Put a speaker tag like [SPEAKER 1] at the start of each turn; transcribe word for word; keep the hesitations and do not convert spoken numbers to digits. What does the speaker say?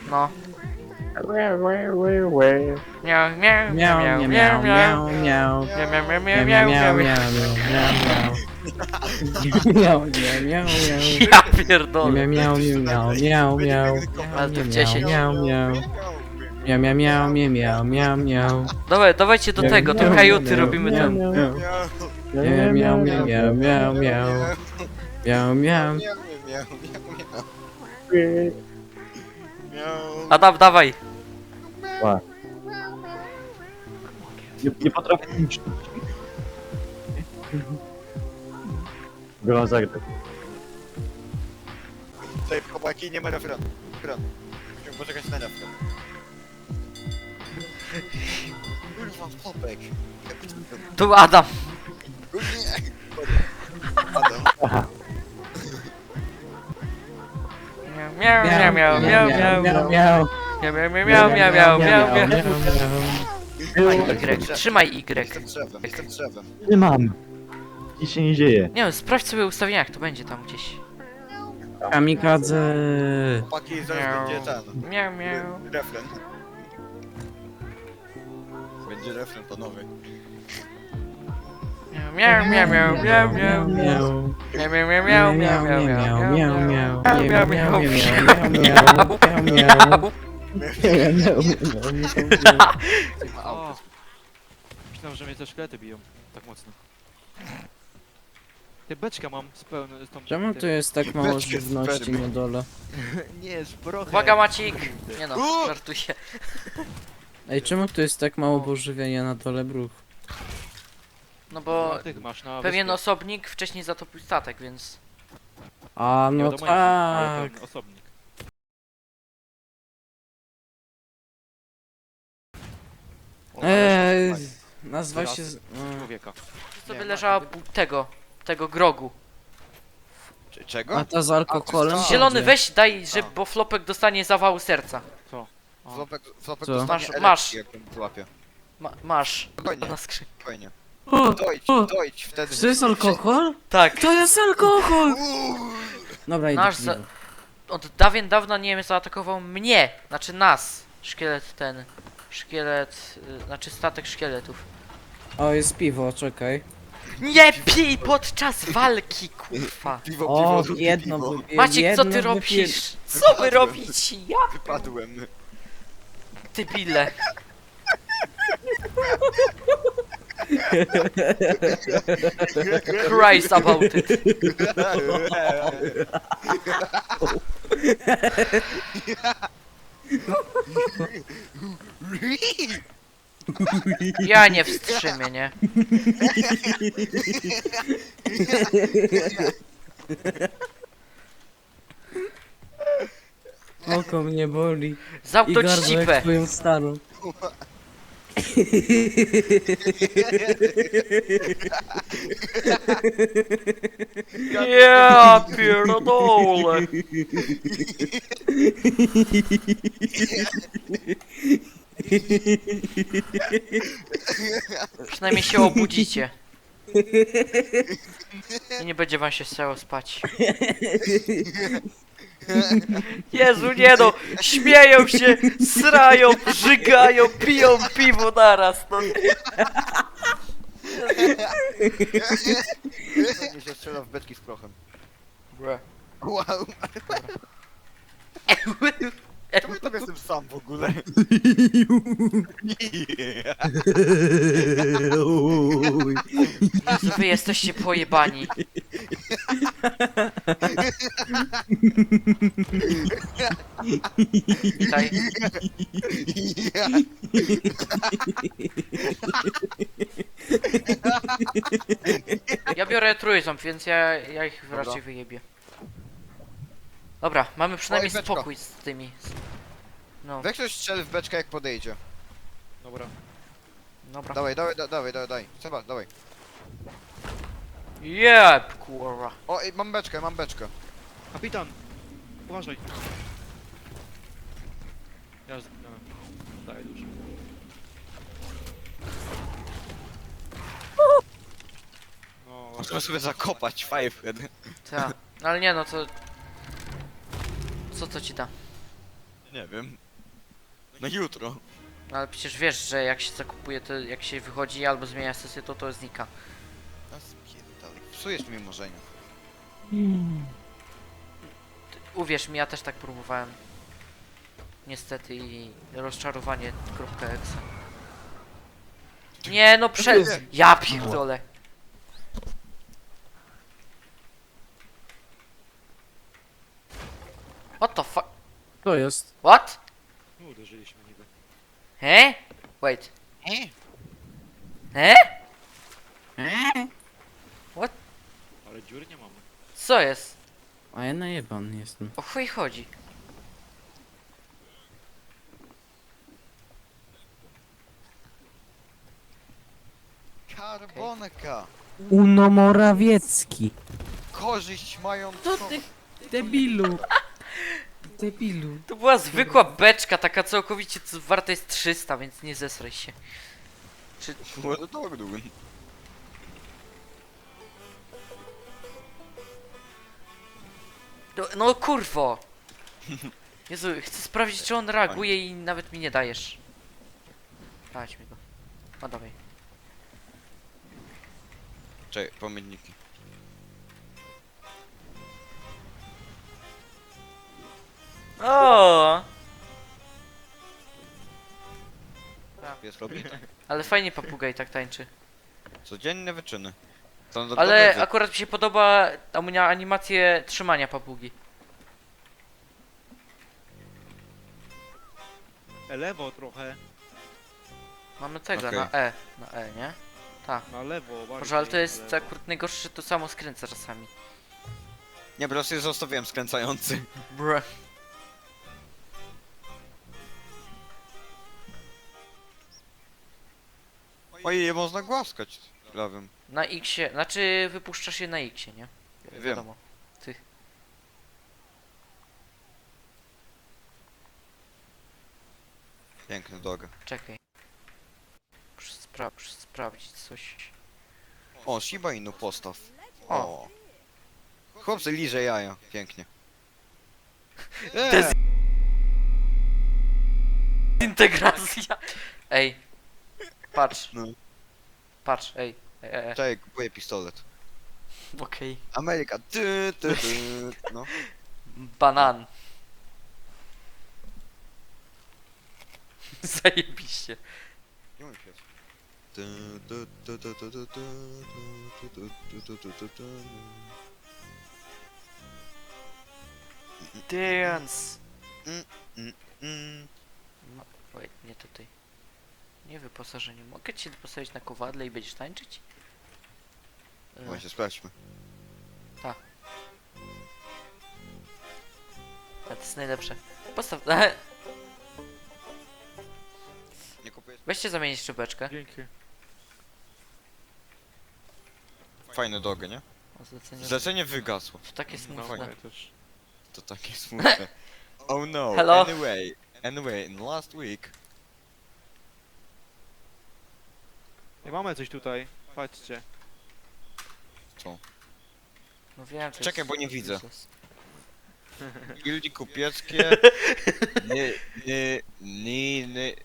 [SPEAKER 1] No.
[SPEAKER 2] Łe, łe, łe, łe.
[SPEAKER 1] Miau, miau,
[SPEAKER 3] Miau,
[SPEAKER 1] miau,
[SPEAKER 3] miau,
[SPEAKER 1] miau,
[SPEAKER 3] miau,
[SPEAKER 1] miau.
[SPEAKER 3] miau, miau.
[SPEAKER 1] Miau, miau, miau,
[SPEAKER 3] Miau,
[SPEAKER 1] miau,
[SPEAKER 3] miau,
[SPEAKER 1] miau,
[SPEAKER 3] miau,
[SPEAKER 1] miau.
[SPEAKER 3] miau, miau, miau, miau, miau.
[SPEAKER 1] Ja pierdolę.
[SPEAKER 3] Miau, miau, miau, miau, miau,
[SPEAKER 1] Ale to
[SPEAKER 3] miau,
[SPEAKER 1] w
[SPEAKER 3] miau,
[SPEAKER 1] dziesięć.
[SPEAKER 3] miau, miau. Miau, miau, miau, miau, miau, miau, miau.
[SPEAKER 1] Dawaj, dawajcie do
[SPEAKER 3] Miau,
[SPEAKER 1] tego, do
[SPEAKER 3] miau,
[SPEAKER 1] kajuty
[SPEAKER 3] miau,
[SPEAKER 1] robimy
[SPEAKER 3] miau,
[SPEAKER 1] ten.
[SPEAKER 3] miau.
[SPEAKER 2] Miau,
[SPEAKER 3] Miau, miau, miau, miau, miau, miau. Miau, miau.
[SPEAKER 2] miau, miau, miau.
[SPEAKER 1] Adam, dawaj.
[SPEAKER 2] Ła. Nie, nie potrafię niszczyć. Grą zagrać.
[SPEAKER 4] Tutaj chłopaki, nie ma refrenu. Refren. Musimy poczekać na refren. Kurwa, chłopek.
[SPEAKER 1] Tu Adam.
[SPEAKER 4] Nie. Adam.
[SPEAKER 2] Aha.
[SPEAKER 1] Miau, miau, miau, miau, miau, miau.
[SPEAKER 3] miau, miau.
[SPEAKER 1] Miau, miau, miau, miau, miau, miau, miau, miau.
[SPEAKER 3] miau.
[SPEAKER 1] Trzymaj Y, trzymaj Y.
[SPEAKER 4] Jestem drzewem, jestem drzewem.
[SPEAKER 2] Nie mam. Nic się nie dzieje.
[SPEAKER 1] Nie wiem, sprawdź sobie ustawienia, jak to będzie tam gdzieś.
[SPEAKER 3] Kamikadze.
[SPEAKER 4] Chłopaki, zaraz
[SPEAKER 1] Miau.
[SPEAKER 4] będzie ten.
[SPEAKER 1] Miau, miau.
[SPEAKER 4] Refren. Będzie refren panowie.
[SPEAKER 1] Miau, miau, miau, miau, miau, miau.
[SPEAKER 3] miau.
[SPEAKER 1] Miau, miau, miau, miau, miau, miau, miau,
[SPEAKER 3] miau,
[SPEAKER 1] miau,
[SPEAKER 3] miau,
[SPEAKER 1] miau,
[SPEAKER 3] miau,
[SPEAKER 1] miau,
[SPEAKER 3] miau,
[SPEAKER 1] miau,
[SPEAKER 3] miau, miau, miau.
[SPEAKER 5] O! Myślałem, że mnie te szkielety biją tak mocno. Ty beczka mam z pełną z tą...
[SPEAKER 3] Czemu tu jest tak mało żywności na dole?
[SPEAKER 5] Nie, z brochę.
[SPEAKER 1] Uwaga Macik! Nie no, żartuję.
[SPEAKER 3] Ej, czemu tu jest tak mało pożywienia na dole, bruch?
[SPEAKER 1] No bo
[SPEAKER 5] No, tych masz na
[SPEAKER 1] pewien
[SPEAKER 5] wyspie.
[SPEAKER 1] osobnik wcześniej zatopił statek, więc...
[SPEAKER 3] A,
[SPEAKER 5] Nie
[SPEAKER 3] no
[SPEAKER 5] wiadomo jaki, ale
[SPEAKER 3] tak.
[SPEAKER 5] ten osobnik.
[SPEAKER 3] Eee, nazwa się... z- mm.
[SPEAKER 5] Człowieka.
[SPEAKER 1] sobie
[SPEAKER 5] Nie,
[SPEAKER 1] leżała
[SPEAKER 5] ma-
[SPEAKER 1] bu- tego, tego grogu.
[SPEAKER 4] Cze- Czego?
[SPEAKER 3] A ta z alkoholem?
[SPEAKER 4] A,
[SPEAKER 1] Zielony
[SPEAKER 3] będzie.
[SPEAKER 1] weź, daj, że,
[SPEAKER 5] A.
[SPEAKER 1] bo Flopek dostanie zawału serca.
[SPEAKER 5] Co? O.
[SPEAKER 4] Flopek, flopek
[SPEAKER 3] Co?
[SPEAKER 4] dostanie
[SPEAKER 1] Masz-
[SPEAKER 4] elektryki,
[SPEAKER 1] masz.
[SPEAKER 4] jak ją złapie.
[SPEAKER 1] Ma, masz.
[SPEAKER 4] Spokojnie,
[SPEAKER 1] Na skrzyn.
[SPEAKER 4] spokojnie.
[SPEAKER 3] O,
[SPEAKER 4] Dojdź,
[SPEAKER 3] o,
[SPEAKER 4] dojdź, wtedy...
[SPEAKER 3] to jest alkohol?
[SPEAKER 1] Tak.
[SPEAKER 3] To jest alkohol! Dobra, idę
[SPEAKER 1] Nasz
[SPEAKER 3] piwo.
[SPEAKER 1] za- Od dawien dawna Niemiec zaatakował mnie, znaczy nas. Szkielet ten. Szkielet, y, znaczy statek szkieletów.
[SPEAKER 3] O, jest piwo, czekaj.
[SPEAKER 1] Nie pij podczas walki, kurwa.
[SPEAKER 4] Piwo,
[SPEAKER 3] O,
[SPEAKER 4] piwo,
[SPEAKER 3] jedno
[SPEAKER 4] piwo.
[SPEAKER 3] wypiję,
[SPEAKER 1] Maciek, co
[SPEAKER 3] jedno
[SPEAKER 1] ty
[SPEAKER 3] wypiję.
[SPEAKER 1] robisz? Co wy robicie? Ja
[SPEAKER 4] Wypadłem.
[SPEAKER 1] ty bile. Christ about it. Ja nie wstrzymię, nie?
[SPEAKER 3] Oko mnie boli. I
[SPEAKER 1] Zamknąć
[SPEAKER 3] gardło
[SPEAKER 1] cipę.
[SPEAKER 3] jak twoją starą.
[SPEAKER 1] Ja pierdolę. Przynajmniej się obudzicie. I nie będzie wam się chciało spać. Jezu, nie no! Śmieją się, srają, żygają, piją piwo naraz, no.
[SPEAKER 4] Nie się strzela w beczki z prochem.
[SPEAKER 1] Bre.
[SPEAKER 4] Wow. Czemu tam jestem sam w ogóle?
[SPEAKER 1] Jezu, wy jesteście pojebani. Witaj. Ja biorę trójząb, więc ja, ja ich
[SPEAKER 4] Dobra.
[SPEAKER 1] raczej wyjebię. Dobra, mamy przynajmniej
[SPEAKER 4] Oj, beczka.
[SPEAKER 1] spokój z tymi. No,
[SPEAKER 4] Weź ktoś strzel w beczkę jak podejdzie.
[SPEAKER 5] Dobra.
[SPEAKER 1] dobra.
[SPEAKER 4] Dawaj, dawaj, da- dawaj, dawaj, dawaj. Seba, dawaj.
[SPEAKER 1] Jeb, kurwa.
[SPEAKER 4] O, ej, mam beczkę, mam beczkę.
[SPEAKER 5] Kapitan! Uważaj. Ja z... No, daję dużo. No,
[SPEAKER 4] Możemy sobie zakopać Fivehead.
[SPEAKER 1] Tak. No ale nie no, to... Co to ci da?
[SPEAKER 4] Nie wiem. Na jutro.
[SPEAKER 1] No ale przecież wiesz, że jak się zakupuje, to jak się wychodzi albo zmienia sesję, to to znika.
[SPEAKER 4] A spierdalaj. Psujesz mi marzenia.
[SPEAKER 1] Uwierz mi, ja też tak próbowałem. Niestety i rozczarowanie kropka exe. Nie no prze...
[SPEAKER 2] jest-
[SPEAKER 1] Ja pierdolę. What the fuck?
[SPEAKER 3] To jest.
[SPEAKER 1] What?
[SPEAKER 5] No, uderzyliśmy niby.
[SPEAKER 1] He? Wait.
[SPEAKER 4] E?
[SPEAKER 1] He?
[SPEAKER 5] Ale dziury nie mamy.
[SPEAKER 1] Co jest?
[SPEAKER 3] A ja najebany jestem.
[SPEAKER 1] O chuj chodzi?
[SPEAKER 4] Karbonka.
[SPEAKER 3] Uno Morawiecki.
[SPEAKER 4] Korzyść mają
[SPEAKER 3] Co ty, debilu? Debilu.
[SPEAKER 1] To była zwykła beczka, taka całkowicie co warta jest trzysta, więc nie zesraj się. Czy...
[SPEAKER 4] What a dog doing?
[SPEAKER 1] No, no kurwo! Jezu, chcę sprawdzić czy on reaguje i nawet mi nie dajesz. Dać mi go. No dawaj.
[SPEAKER 4] Czekaj, pamiętniki.
[SPEAKER 1] O!
[SPEAKER 4] Pies robi tak.
[SPEAKER 1] Ale fajnie papugaj tak tańczy.
[SPEAKER 4] Codzienne wyczyny. To
[SPEAKER 1] Ale
[SPEAKER 4] dobry
[SPEAKER 1] akurat mi się podoba ta animację trzymania papugi.
[SPEAKER 5] E, lewo trochę.
[SPEAKER 1] Mamy tego
[SPEAKER 4] Okej.
[SPEAKER 1] na E. Na E, nie?
[SPEAKER 5] Na lewo, bardziej.
[SPEAKER 1] Może, ale to
[SPEAKER 5] na
[SPEAKER 1] jest
[SPEAKER 5] lewo.
[SPEAKER 1] akurat najgorsze, że to samo skręca czasami.
[SPEAKER 4] Nie, po prostu je zostawiłem skręcający.
[SPEAKER 1] Bruh.
[SPEAKER 4] Ojej, je można głaskać prawym.
[SPEAKER 1] Na X-ie, znaczy wypuszczasz je na X-ie, nie?
[SPEAKER 4] Wiem.
[SPEAKER 1] Wiadomo. Ty.
[SPEAKER 4] Piękny dog.
[SPEAKER 1] Czekaj. Muszę, spra muszę sprawdzić coś.
[SPEAKER 4] O, Shiba Inu postaw.
[SPEAKER 1] O.
[SPEAKER 4] O. Chłopcy liże jaja. Pięknie.
[SPEAKER 1] Dez-
[SPEAKER 4] Eee,
[SPEAKER 1] Integracja! Ej. Patrz.
[SPEAKER 4] No.
[SPEAKER 1] Patrz, ej. ej, ej, ej.
[SPEAKER 4] czekaj, kupuję pistolet.
[SPEAKER 1] Okej.
[SPEAKER 4] Ameryka. Ty, ty, ty. No.
[SPEAKER 1] Banan. Zajebiście.
[SPEAKER 4] Nie mam świat. Ty, ty, ty, ty, ty, ty, ty, ty, ty, ty, ty, ty, ty.
[SPEAKER 1] Dance!
[SPEAKER 4] Mm.
[SPEAKER 1] No, wait, nie tutaj. Nie wyposażenie. Mogę cię postawić na kowadle i będziesz tańczyć? E,
[SPEAKER 4] Właśnie, sprawdźmy.
[SPEAKER 1] a to jest najlepsze. Postaw...
[SPEAKER 4] Nie kupuję.
[SPEAKER 1] Weźcie zamienić czubeczkę.
[SPEAKER 5] Dzięki.
[SPEAKER 4] Fajne dogy, nie?
[SPEAKER 1] O, zlecenie.
[SPEAKER 4] Zlecenie wygasło.
[SPEAKER 1] To takie
[SPEAKER 5] No,
[SPEAKER 1] smutne.
[SPEAKER 5] fajnie też.
[SPEAKER 4] To takie smutne. Oh no.
[SPEAKER 1] Hello?
[SPEAKER 4] Anyway. Anyway, in last week.
[SPEAKER 5] Nie mamy coś tutaj. Patrzcie.
[SPEAKER 4] Co?
[SPEAKER 1] No wiem, to
[SPEAKER 4] Czekaj,
[SPEAKER 1] jest...
[SPEAKER 4] bo nie widzę.
[SPEAKER 1] useless.
[SPEAKER 4] Gildii kupieckie. Nie, nie, nie, nie,